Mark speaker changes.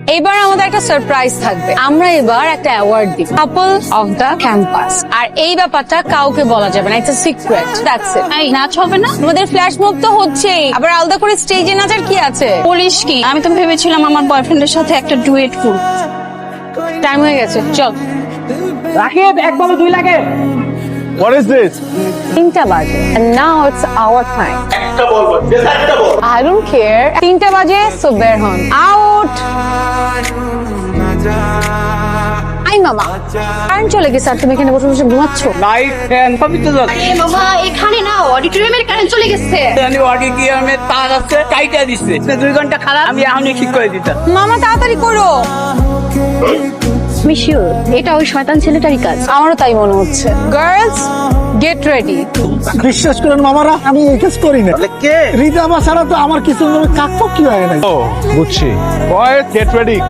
Speaker 1: এবার আমাদের একটা সারপ্রাইজ থাকবে। আমরা এবার একটা অ্যাওয়ার্ড দিব, কাপল অফ দ্য ক্যাম্পাস। আর এই ব্যাপারটা কাউকে বলা যাবে না, it's a secret. That's it. এই নাচ হবে না? আমাদের ফ্ল্যাশ মুভ তো হচ্ছেই, আবার আলাদা করে স্টেজে নাচার কি আছে?
Speaker 2: বলিস কি, আমি তো ভেবেছিলাম আমার বয়ফ্রেন্ডের সাথে একটা ডুয়েট করব।
Speaker 1: টাইম হয়ে গেছে, চল।
Speaker 3: রাকিব, এক বলো 2 লাগে।
Speaker 4: What is this?
Speaker 1: 3টা বাজে and now it's our time.
Speaker 4: একটা বলবো, একটা বল।
Speaker 1: I don't care. 3টা বাজে, so বের হন। আউট। আই মামা, কারেন্ট চলে গেছে আর তুমি এখানে বসে বসে ঘুমাচ্ছ?
Speaker 3: লাইট ফ্যান সবই তো জ্বলছে।
Speaker 2: এ বাবা, এখানে না অডিটোরিয়ামের কারেন্ট চলে গেছে।
Speaker 3: জানি অডিটোরিয়ামে তার আছে, কাইটা দিচ্ছে। 2 ঘন্টা খারাপ, আমি এখনই ঠিক করে দিতাম।
Speaker 1: মামা তাড়াতাড়ি করো।
Speaker 2: আমি শিওর এটা ওই শয়তান ছেলেটারই কাজ।
Speaker 1: আমারও তাই মনে হচ্ছে। Girls, get ready.
Speaker 5: বিশ্বাস করেন মামারা, আমি এই কাজ করি না।
Speaker 4: কে?
Speaker 5: রিজা ছাড়া তো আমার কিছু কাকপক্ষী হয় না।
Speaker 4: ও বুঝছি। Boys get ready.